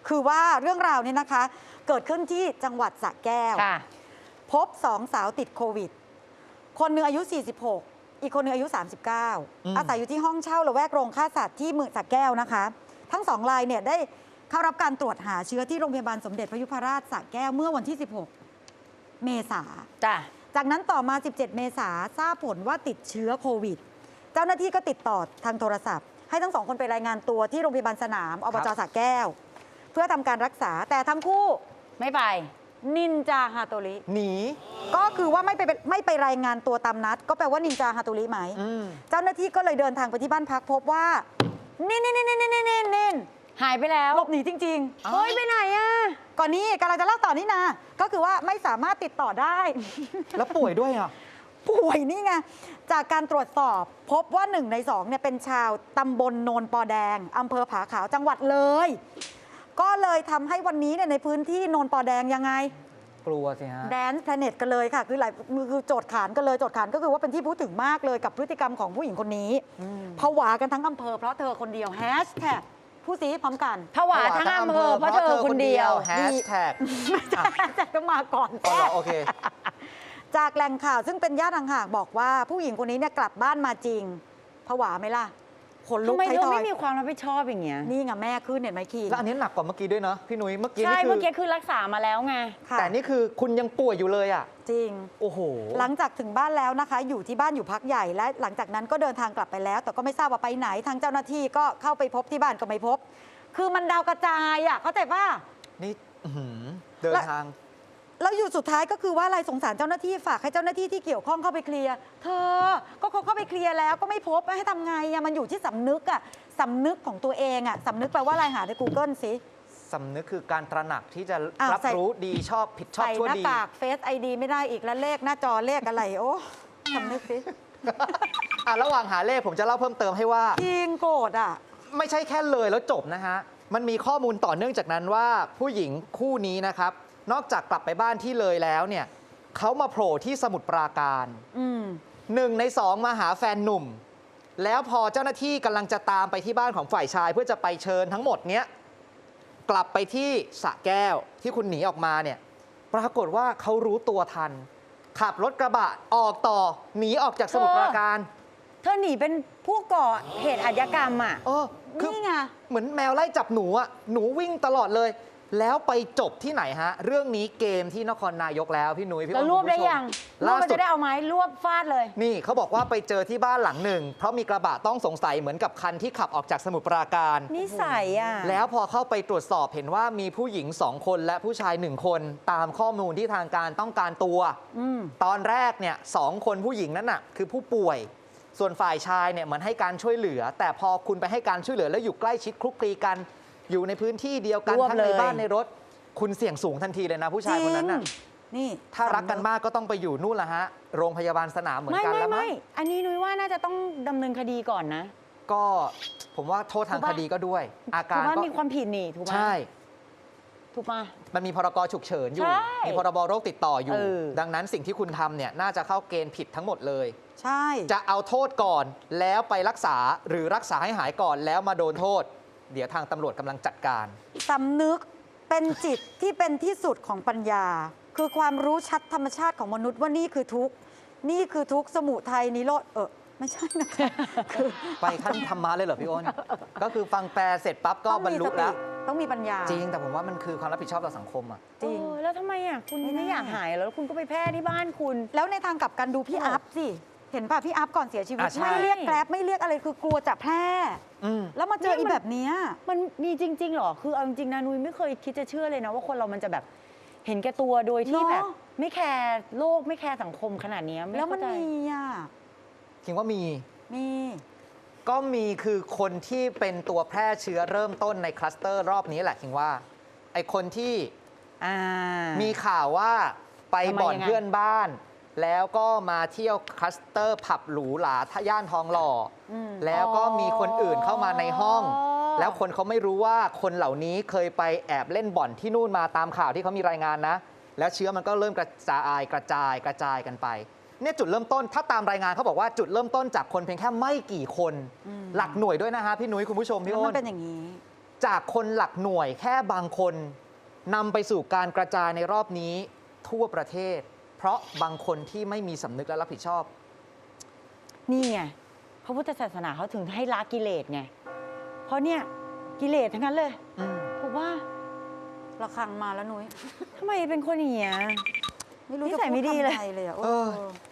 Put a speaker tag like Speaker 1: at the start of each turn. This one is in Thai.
Speaker 1: คือว่าเรื่องราวนี้นะคะเกิดขึ้นที่จังหวัดสระแก้วพบ2 สาวติดโควิดคนหนึ่งอายุ 46 อีกคนหนึ่งอายุ 39 อาศัยอยู่ที่ห้องเช่าละแวกโรงฆ่าสัตว์ที่เมืองสระแก้วนะคะทั้ง2 รายเนี่ยได้เข้ารับการตรวจหาเชื้อที่โรงพยาบาลสมเด็จพระยุพราชสระแก้วเมื่อวันที่ 16 เมษายนจากนั้นต่อมา 17 เมษายนทราบผลว่าติดเชื้อโควิดเจ้าหน้าที่ก็ติดต่อทางโทรศัพท์ให้ทั้ง2 คนไปรายงานตัวที่โรงพยาบาลสนามอบจ.สระแก้วเพื่อทำการรักษาแต่ทั้งคู่
Speaker 2: ไม่ไป
Speaker 1: นินจาฮาโตริ
Speaker 3: หนี
Speaker 1: ก็คือว่าไม่ไปรายงานตัวตามนัดก็แปลว่านินจาฮาโตริไหมเจ้าหน้าที่ก็เลยเดินทางไปที่บ้านพักพบว่านิน
Speaker 2: หายไปแล้ว
Speaker 1: หลบหนีจริง
Speaker 2: ๆเฮ้ยไปไหนอ่ะ
Speaker 1: ก่อนนี้กำลังจะเล่าต่อนี่นะก็คือว่าไม่สามารถติดต่อได้
Speaker 3: แล้วป่วยด้วยอ่ะ
Speaker 1: ป่วยนี่ไงจากการตรวจสอบพบว่า1 ใน 2เนี่ยเป็นชาวตำบลโนนปอแดงอำเภอผาขาวจังหวัดเลยก็เลยทำให้วันนี้เนี่ยในพื้นที่โนนปอแดงยังไง
Speaker 3: กลัวสิฮะ
Speaker 1: แดนซ์แพลเน็ตกันเลยค่ะคือโจทย์ขานกันเลยโจทย์ขานก็คือว่าเป็นที่พูดถึงมากเลยกับพฤติกรรมของผู้หญิงคนนี้ผวากันทั้งอำเภอเพราะเธอคนเดียวแฮชแท็กผู้ซีพร้อมกัน
Speaker 2: ผวาทั้งอำเภอเพราะเธอคนเดียว
Speaker 3: แฮชแท็ก
Speaker 1: ไม่ใช่แฮชแท็กก็มาก่อน
Speaker 3: โอเค
Speaker 1: จากแหล่งข่าวซึ่งเป็นญาติห่างๆบอกว่าผู้หญิงคนนี้เนี่ยกลับบ้านมาจริงผวาไหมล่ะคนลุก
Speaker 2: ทำไมเธอไม่มีความรับผิดชอบอย่างเงี้ย
Speaker 1: นี่ไงแม่ขึ้นเห็นไหมคี
Speaker 3: แล้วอันนี้หนักกว่าเมื่อกี้ด้วยเนาะพี่นุ้ยเมื่อกี้
Speaker 2: ใช่เมื่อกี้คือรักษามาแล้วไง
Speaker 3: แต่นี่คือคุณยังป่วยอยู่เลยอ่ะ
Speaker 1: จริง
Speaker 3: โอ้โห
Speaker 1: หลังจากถึงบ้านแล้วนะคะอยู่ที่บ้านอยู่พักใหญ่และหลังจากนั้นก็เดินทางกลับไปแล้วแต่ก็ไม่ทราบว่าไปไหนทางเจ้าหน้าที่ก็เข้าไปพบที่บ้านก็ไม่พบคือมันดาวกระจายอ่ะเข้าใจป่ะ
Speaker 3: นี่เดินทาง
Speaker 1: แล้วอยู่สุดท้ายก็คือว่าอะไรสงสารเจ้าหน้าที่ฝากให้เจ้าหน้าที่ที่เกี่ยวข้องเข้าไปเคลียร์เธอก็เขาเข้าไปเคลียร์แล้วก็ไม่พบให้ทำไงอะมันอยู่ที่สำนึกอะสำนึกของตัวเองอะสำนึกแปลว่าอะไรหาใน Google สิ
Speaker 3: สำนึกคือการตระหนักที่จะรับรู้ดีชอบผิดชอบชั่วดี
Speaker 1: ใส่หน้ากากเฟซไอดีไม่ได้อีกแล้วเลขหน้าจอเลขอะไรโอ้สำนึกสิ
Speaker 3: ระหว่างหาเลขผมจะเล่าเพิ่มเติมให้ว่า
Speaker 1: จริงโกรธอะ
Speaker 3: ไม่ใช่แค่เลยแล้วจบนะฮะมันมีข้อมูลต่อเนื่องจากนั้นว่าผู้หญิงคู่นี้นะครับนอกจากกลับไปบ้านที่เลยแล้วเนี่ยเขามาโผล่ที่สมุทรปราการ1 ใน 2มาหาแฟนหนุ่มแล้วพอเจ้าหน้าที่กำลังจะตามไปที่บ้านของฝ่ายชายเพื่อจะไปเชิญทั้งหมดเนี้ยกลับไปที่สระแก้วที่คุณหนีออกมาเนี่ยปรากฏว่าเขารู้ตัวทันขับรถกระบะออกต่อหนีออกจากสมุทรปราการ
Speaker 2: เธอหนีเป็นผู้ก่อเหตุอาชญากรรมอ่ะ
Speaker 1: นี่ไง
Speaker 3: เหมือนแมวไล่จับหนูอ่ะหนูวิ่งตลอดเลยแล้วไปจบที่ไหนฮะเรื่องนี้เกมที่นครนายกแล้วพี่นุ้ยพี่อ้น
Speaker 2: รวบได้ยังรวบจะได้เอาไม้รวบฟาดเลย
Speaker 3: นี่เขาบอกว่าไปเจอที่บ้านหลังหนึ่งเพราะมีกระบะต้องสงสัยเหมือนกับคันที่ขับออกจากสมุทรปราการ
Speaker 2: นิสัยอ่ะ
Speaker 3: แล้วพอเข้าไปตรวจสอบเห็นว่ามีผู้หญิง2 คนและผู้ชาย1 คนตามข้อมูลที่ทางการต้องการตัวตอนแรกเนี่ย2 คนผู้หญิงนั้นน่ะคือผู้ป่วยส่วนฝ่ายชายเนี่ยเหมือนให้การช่วยเหลือแต่พอคุณไปให้การช่วยเหลือแล้วอยู่ใกล้ชิดคลุกคลีกันอยู่ในพื้นที่เดียวกันทั้งในบ้านในรถคุณเสี่ยงสูงทันทีเลยนะผู้ชายคนนั้นน่ะ
Speaker 1: นี่
Speaker 3: ถ้ารักกันมากก็ต้องไปอยู่นู่นละฮะโรงพยาบาลสนามเหมือนกันแล้วมั้
Speaker 2: งอันนี้นุ้ยว่าน่าจะต้องดำเนินคดีก่อนนะ
Speaker 3: ก็ผมว่าโทษทางคดีก็ด้วยอาการ
Speaker 2: ก็มีความผิดนี่ถูกไหม
Speaker 3: ใช่
Speaker 2: ถูกป่ะ
Speaker 3: มันมีพรกฉุกเฉินอยู่มีพรบโรคติดต่ออยู่ดังนั้นสิ่งที่คุณทำเนี่ยน่าจะเข้าเกณฑ์ผิดทั้งหมดเลย
Speaker 1: ใช่
Speaker 3: จะเอาโทษก่อนแล้วไปรักษาหรือรักษาให้หายก่อนแล้วมาโดนโทษเดี๋ยวทางตำรวจกำลังจัดการ
Speaker 1: สำนึกเป็นจิตที่เป็นที่สุดของปัญญาคือความรู้ชัดธรรมชาติของมนุษย์ว่านี่คือทุกข์นี่คือทุกข์สมุทัยนิโรธไม่ใช่นะคะคือ
Speaker 3: ไปขั้นธรรมะเลยเหรอพี่อ้นก็คือฟังแปลเสร็จปั๊บก็บรรลุแล้ว
Speaker 1: ต้องมีปัญญา
Speaker 3: จริงแต่ผมว่ามันคือความรับผิดชอบต่อสังคมอ่ะ
Speaker 2: จริงแล้วทำไมอ่ะคุณไม่อยากหายแล้วคุณก็ไปแพร่ที่บ้านคุณ
Speaker 1: แล้วในทางกลับกันดูพี่อัพสิเห็นป่ะพี่อัพก่อนเสียชีวิตไม่เรียกแกร็บไม่เรียกอะไรคือกลัวจะแพร่แล้วมาเจออีแบบนี้
Speaker 2: มันมีจริงๆหรอคือเอาจริงๆนะนุ้ยไม่เคยคิดจะเชื่อเลยนะว่าคนเรามันจะแบบเห็นแก่ตัวโดยที่แบบไม่แคร์โลกไม่แคร์สังคมขนาดนี้
Speaker 1: แล้วมันมี
Speaker 3: คิดว่ามี
Speaker 1: ก็
Speaker 3: มีคือคนที่เป็นตัวแพร่เชื้อเริ่มต้นในคลัสเตอร์รอบนี้แหละคิดว่าไอคนที่มีข่าวว่าไปบ่อนเพื่อนบ้านแล้วก็มาเที่ยวคลัสเตอร์ผับหรูหราย่านทองหล่อแล้วก็มีคนอื่นเข้ามาในห้องแล้วคนเขาไม่รู้ว่าคนเหล่านี้เคยไปแอบเล่นบ่อนที่นู่นมาตามข่าวที่เขามีรายงานนะแล้วเชื้อมันก็เริ่มกระจายกันไปเนี่ยจุดเริ่มต้นถ้าตามรายงานเขาบอกว่าจุดเริ่มต้นจากคนเพียงแค่ไม่กี่คนหลักหน่วยด้วยนะฮะพี่นุ้ยคุณผู้ชมพี่อ้น
Speaker 1: มันเป็นอย่างนี้
Speaker 3: จากคนหลักหน่วยแค่บางคนนำไปสู่การกระจายในรอบนี้ทั่วประเทศ เพราะบางคนที่ไม่มีสำนึกและรับผิดชอบ
Speaker 2: นี่ไงพระพุทธศาสนาเขาถึงให้ละกิเลสไง เพราะเนี่ยกิเลสทั้งนั้นเลยถูกว่า
Speaker 1: ระฆังมาแล้วนุ้ย
Speaker 2: ทำไมเป็นคนอย่างเงี้ย
Speaker 1: ไม่รู้
Speaker 2: นิ
Speaker 1: จะ
Speaker 2: สัย
Speaker 1: พู
Speaker 2: ไม่
Speaker 1: ด
Speaker 2: ดีเลย
Speaker 1: คำใดเลยอะ
Speaker 3: เออ